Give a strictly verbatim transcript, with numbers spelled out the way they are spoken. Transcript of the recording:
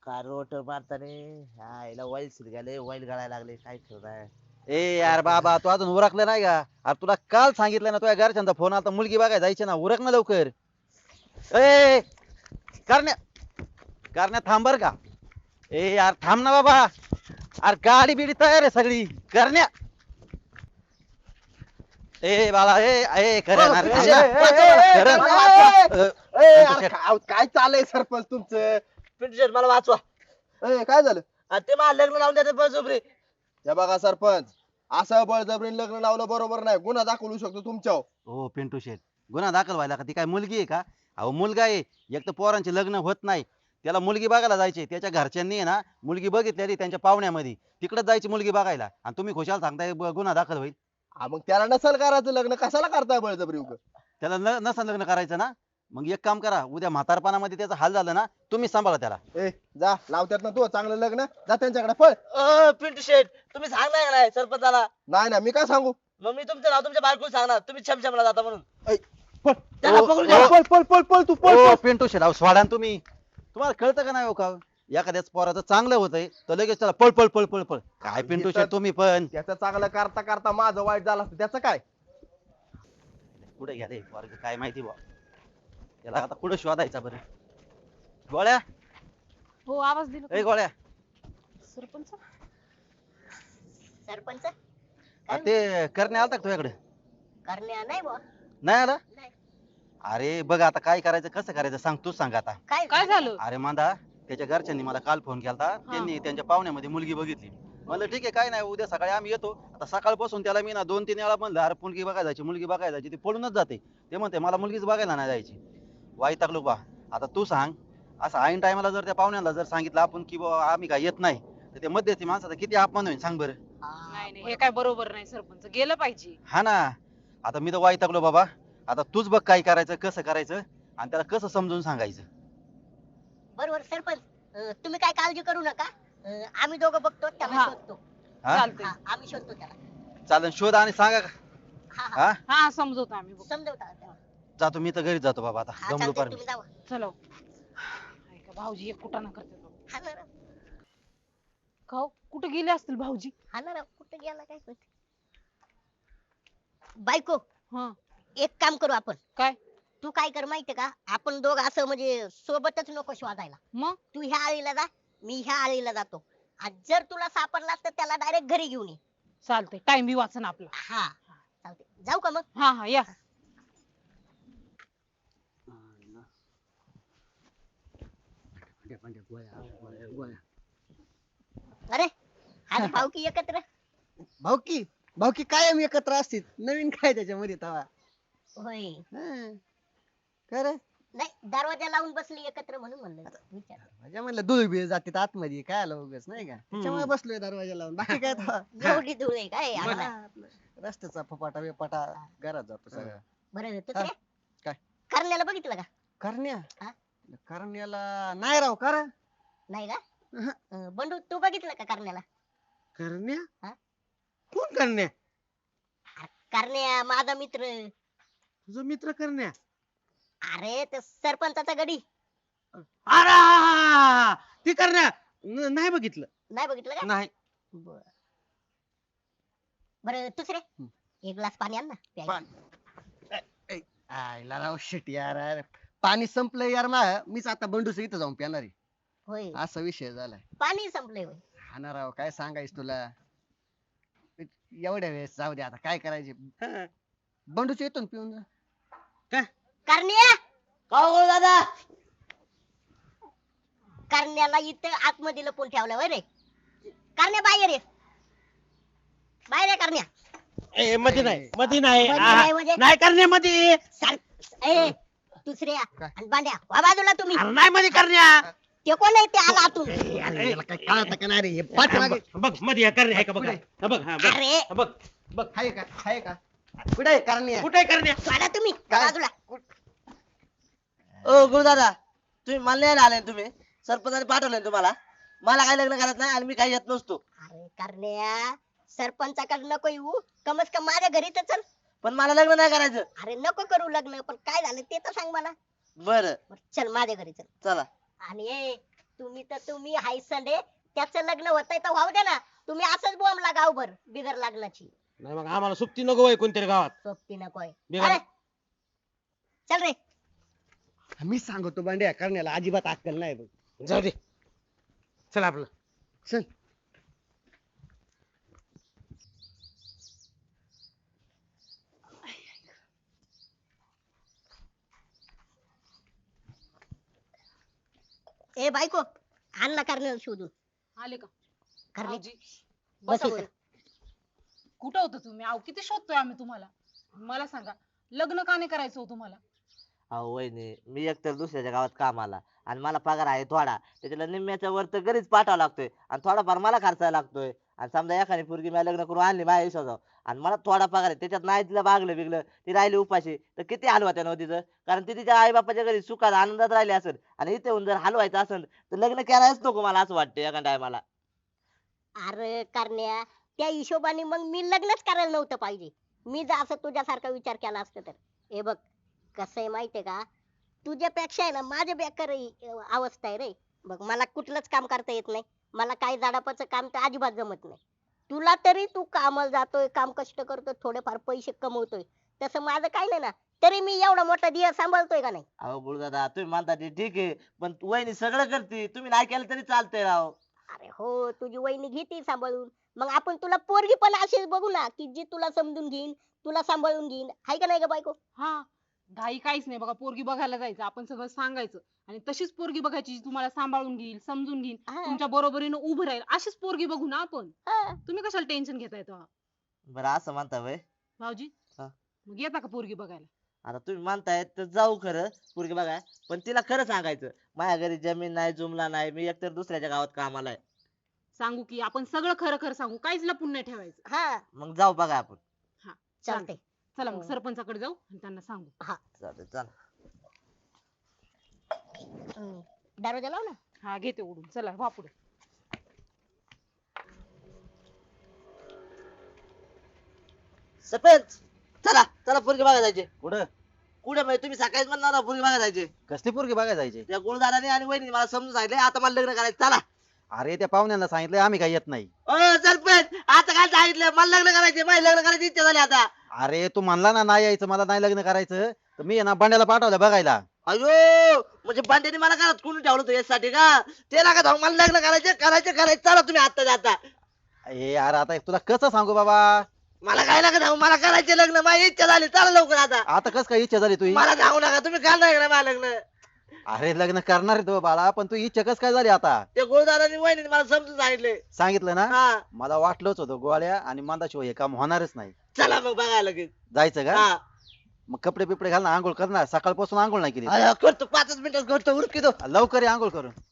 Car रोट मारताना आईला while गेले वाईल गळायला लागले काय ठेवणार. ए यार बाबा तू अजून उरकलं नाही का? अरे तुला काल सांगितलं ना तुझ्या घरच्यांचा फोन आला मुलगी बघायला जायची ना, उरक ना लवकर. ए करण्या करण्या थांब बर का. ए यार थांब ना बाबा. अरे गाडी बिडी तयार आहे सगळी करण्या. ए बाळा ए ए करण अरे थांब ना. करण. अ, ए, पिंटू अरे शेट. काय काय चाललंय सरपंच तुमचं? पिंटू शेट मला वाचवा. ए, काय झालं? आणि ते मला लग्न लावून देतात बळजबरी. हे बघा सरपंच, असं बळजबरीने लग्न लावलं बरोबर नाही, गुन्हा दाखवू शकतो तुमच्यावर. हो पिंटू शेठ गुन्हा दाखल व्हायला का? ती काय मुलगी आहे का? अहो मुलगा आहे. एक तर पोरांचे लग्न होत नाही, त्याला मुलगी बघायला जायचे. त्याच्या घरच्यांनी आहे ना मुलगी बघितलेली त्यांच्या पाहुण्यामध्ये, तिकडे जायची मुलगी बघायला आणि तुम्ही खुशाल सांगताय ब- गुन्हा दाखल होईल. हा, मग त्याला नसल करायचं लग्न, कशाला करताय बळजबरी उग? त्याला न नसं लग्न करायचं ना, मग एक काम करा, उद्या म्हातारपणामध्ये त्याचा हाल झाला ना तुम्ही सांभाळा त्याला. ए जा, लावत्यात ना तू चांगलं लग्न, जा त्यांच्याकडे पळ. अ, पिंटू शेट तुम्ही सांगणार का नाही सरपंचाला? नाही ना, मी काय सांगू? मग मी तुमचं नाव तुमच्या बायकोला सांगणार तुम्ही छमछमला जाता म्हणून. ऐ, पळ. त्याला ओ, पकडून ओ, घ्या. पळ पळ पळ पळ तू पळ ओ पळ. पिंटू शेठ अहो सोडा ना तुम्ही. तुम्हाला कळतं का नाही हो का? एखाद्याच पोराचं चांगलं होतंय तर लगेच त्याला पळ पळ पळ पळ पळ. काय पिंटू शेठ तुम्ही पण. त्याचं चांगलं करता करता माझं वाईट झालं असतं, त्याचं काय? कुठे घ्या रे वर्ग काय माहिती बा. याला आता कुठं शोधायचा बरं. गोळ्या हो आवाज दिला ए गोळ्या. सरपंच. सरपंच आ, ते करणे आलता का तुझ्याकडे? करण्या नाही बुवा. नाही आला? नाही. अरे बघ आता काय करायचं कसं करायचं सांग तूच सांग आता. काय काय झालं? अरे मांदा त्याच्या घरच्यांनी मला काल फोन केलता, त्यांनी त्यांच्या पाहुण्यामध्ये मुलगी बघितली. म्हणलं ठीक आहे काय नाही उद्या सकाळी आम्ही येतो. आता सकाळपासून त्याला मी ना दोन तीन वेळा म्हणलं अरे मुलगी बघायला जायची मुलगी बघायला जायची, ती पळूनच जाते. ते म्हणते मला मुलगीच बघायला नाही जायची. वाईटाकलो बा. आता तू सांग असं ऐन टायमाला जर त्या पाहुण्याला जर सांगितलं आपण की बाबा आम्ही काय येत नाही, तर ते मध्यस्थी माणसाचा किती अपमान होईल सांग बरं. नाही नाही हे काय बरोबर नाही सरपंच, गेलं पाहिजे. हा ना. आता मी तर वाईटाकलो बाबा. आता तूच बघ काय करायचं कसं करायचं आणि त्याला कसं समजून सांगायचं. बरोबर सरपंच. अं, तुम्ही काय काळजी करू नका. अं, आम्ही दोघं बघतो त्याला हा. शोधतो. हा चालतंय. हा, आम्ही शोधतो त्याला. चालेल शोध आणि सांगा का. हा हा हा हा समजवतो आम्ही बघ. समजवता त्याला. जातो मी तर घरीच जातो बाबा आता हा जमलो चालतंय, पार मी. तुम्ही जावा. चलो. ऐका भाऊजी एक कुठं ना करते बघ. हा ना राव, खाऊ कुठे गेले असतील भाऊजी? हा ना राव, कुठं गेला काय माहिती. बायको, हा एक काम करू आपण. काय? तू काय कर माहितीये का, आपण दोघं असं म्हणजे सोबतच नको शोधायला. मग तू ह्या आळीला जा, मी ह्या आळीला जातो. आणि जर तुला सापडला तर त्याला डायरेक्ट घरी घेऊन ये. चालतंय, टाइम बी वाचन आपला. हा चालते, जाऊ का मग? हा हा या. अरे आज भाऊकी एकत्र. भाऊकी भाऊकी कायम एकत्र असतील, नवीन काय त्याच्यामध्ये तवा. होय. हं. काय रे नाही, दरवाजा लावून बसली एकत्र म्हणून म्हणलं विचार. माझ्या म्हणलं धूळ बी जाते आतमध्ये काय आलं उगाच नाही का, त्याच्यामुळे बसलोय दरवाजा लावून, बाकी काय तवा. एवढी धूळ आहे काय मग अंगाला? आपलं रस्त्याचा फपाटा बिपाटा घरात जातो सगळं. बरं तू हा, रे काय? करण्याला बघितलं का? करण्या हा? करण्याला नाही राव कर नाही का? अं, बंडू तू बघितलं का करण्याला? करण्या हा? कोण करण्या? करण्या माझा मित्र. तुझा मित्र करण्या? अरे ते सरपंचाचा गडी. अरे ती करण्या न- नाही बघितलं. नाही बघितलं का? नाही. बर बरं दुसरे एक ग्लास पाणी आण ना प्यायला. पाणी. ऐ, ऐ, आयला राव शिट यार यार. पाणी संपलं यार मा मीच आता बंडूच इथं जाऊन पिणार आहे. होय, असा विषय झालाय. पाणी संपलंय होय. हा ना राव काय सांगायच तुला. एवढ्या वेळेस जाऊ दे आता काय करायचे. बंडूच येतो ना पिऊन जा. करण्या, का हो दादा? करण्याला इथं आतमध्ये लपून ठेवलं होय रे. करण्या बाहेर ये, बाहेर ये करण्या. ए मध्ये नाही मध्ये नाही. मध्ये आ, नाही म्हणजे? नाही करण्यामध्ये. सर ए दुसऱ्या आणि बांड्या वा बाजूला तुम्ही. नाही मध्ये करण्या. ते कोण आहे ते आला आतून. अरे, याला काय कळतं का नाही रे हे पाठीमागे. बघ मध्ये करण्या आहे का बघ. हा बघ हा बघ अरे हा, बघ बघ हाय का हाय का कुठे आहे करण्या? कुठे करण्या? वाडा तुम्ही काय? बाजूला. ओ गुरुदादा तुम्ही मला नाही आले तुम्ही सरपंचाने पाठवले तुम्हाला. मला काय लग्न करत नाही आणि मी काही येत नसतो. अरे करण्या, सरपंचाकडे नको येऊ, कमस कम माझ्या घरी तर चल. पण मला लग्न नाही करायचं. अरे नको करू लग्न, पण काय झालं ते तर सांग मला. बर बरं, चल माझ्या घरी चल. चला. आणि ए तुम्ही तर तुम्ही हाय संडे त्याचं लग्न होतंय तर व्हाऊ दे ना. तुम्ही असंच बोंबला गावभर बिगर लग्नाची. नाही मग आम्हाला सुट्टी नको होय कोणतरी गावात. सोबती नकोय. बिगर- अरे चल रे. मी सांगतो बांड्या करण्याला अजिबात अक्कल नाही बघ. जाऊ दे चल आपलं. चल. ए बायको आण ना करण्याला शोधून. आले का करणे भाऊजी बस बसा इथं. बरं. कुठं होतं तुम्ही अहो किती शोधतोय आम्ही तुम्हाला. मला सांगा लग्न का नाही करायचं हो तुम्हाला. अहो वहिनी मी एकतर दुसऱ्याच्या गावात कामाला आणि मला पगार आहे थोडा, त्याच्याला निम्म्याच्या वर तर घरीच पाठवावा लागतोय आणि थोडाफार मला खर्चायला लागतोय. आणि समजा एखादी पोरगी मी लग्न करून आणली माझ्या आयुष्यात आणि मला थोडा पगार आहे, त्याच्यात नाही तिला बागलं बिगलं ती राहिली उपाशी तर किती हलवा ना तिचं. कारण ती तिच्या आई बापाच्या घरी सुखात आनंदात राहिली असेल आणि इथे येऊन जर हलवायचं असेल तर लग्न करायच नको मला असं वाटतं एका टायमाला. अरे करण्या त्या हिशोबाने मग मी लग्नच करायला नव्हतं पाहिजे. मी जर असं तुझ्यासारखा विचार केला असता तर. हे बघ कसं आहे माहितीये का, तुझ्यापेक्षा आहे ना माझ्या बेकार अवस्था आहे रे. बघ मला कुठलंच काम करता येत नाही. मला काही झाडापाचं काम तर अजिबात जमत नाही. तुला तरी तू कामाला जातोय, काम कष्ट करतोय, थोडेफार पैसे कमवतोय. तसं माझं काही नाही ना, तरी मी एवढा मोठा दिया सांभाळतोय का नाही. अहो गुरुदादा तुम्ही म्हणता ते ठीक आहे, पण वहिनी सगळं करते, तुम्ही नाही केलं तरी चालतंय राव. अरे हो तुझी वहिनी घेते सांभाळून. मग आपण तुला पोरगी पण अशीच बघू ना की जी तुला समजून घेईन, तुला सांभाळून घेईन. हाय का नाही ग बायको. हा घाई काहीच नाही बघा. पोरगी बघायला जायचं आपण सगळं सांगायचं आणि तशीच पोरगी बघायची जी तुम्हाला सांभाळून घेईल, समजून घेईल, हा. तुमच्या बरोबरीनं उभं राहील अशीच पोरगी बघू ना आपण. हा. तुम्ही कशाला टेन्शन घेताय तेव्हा. बरं असं म्हणता वय, भाऊजी हा. मग येता का पोरगी बघायला. आता तुम्ही म्हणताय तर जाऊ खरं पोरगी बघाय, पण तिला खरं सांगायचं माझ्या घरी जमीन नाही, जुमला नाही, मी एकतर दुसऱ्याच्या गावात कामाला आहे. सांगू की आपण सगळं खरं खरं सांगू, काहीच लपून नाही ठेवायचं. हा मग जाऊ बघा आपण. चालतंय. चला मग हो. सरपंचाकडे जाऊ आणि त्यांना सांगू. चालतंय चला. हम्म. दरवाजा लाव ना. हा घेते उडून. चला वा पुढे. सरपंच चला चला पोरगी बघायला जायचे. कुठं कुठे म्हणजे तुम्ही सकाळीच म्हणणार ना पोरगी बघायला जायचे. कसली पोरगी बघायला जायची? त्या गुरुदाराने आणि वहिनी मला समजून सांगितले आता मला लग्न करायचं. चला. अरे त्या पाहुण्यांना सांगितलंय आम्ही काही येत नाही. ओ सरपंच आता काय सांगितलं, मला लग्न करायचे, माझी लग्न करायची इच्छा झाली आता. अरे तू म्हणला ना नाही यायचं, मला नाही लग्न करायचं, तर मी आहे ना बंड्याला पाठवलं बघायला. अयो म्हणजे बांड्याने मला घरात कोणी ठेवलं होतं यासाठी का, ते नका जाऊ, मला लग्न करायचे करायचे करायचे. चला तुम्ही आता जाता. ए यार आता तुला कसं सांगू बाबा, मला काय नका जाऊ, मला करायचे लग्न, माझी इच्छा झाली. चला लवकर आता. आता कस काय इच्छा झाली तुझी? मला जाऊ नका, तुम्ही करणार का मला लग्न. अरे लग्न करणार आहे तो बाळा, पण तू इच्छा कस काय झाली आता? ते गुरुदाराने वहिनी मला समजून सांगितले. सांगितलं ना, हा मला वाटलंच होतं गोळ्या आणि मंदाशिवाय हे काम होणारच नाही. चला मग बघायला लगेच. जायचं का? हा मग कपडे बिपडे घाल ना, आंघोळ करणार, सकाळपासून आंघोळ नाही केली. अरे, करतो पाचच मिनिटात करतो उरकी दो. लवकर ये आंघोळ करून.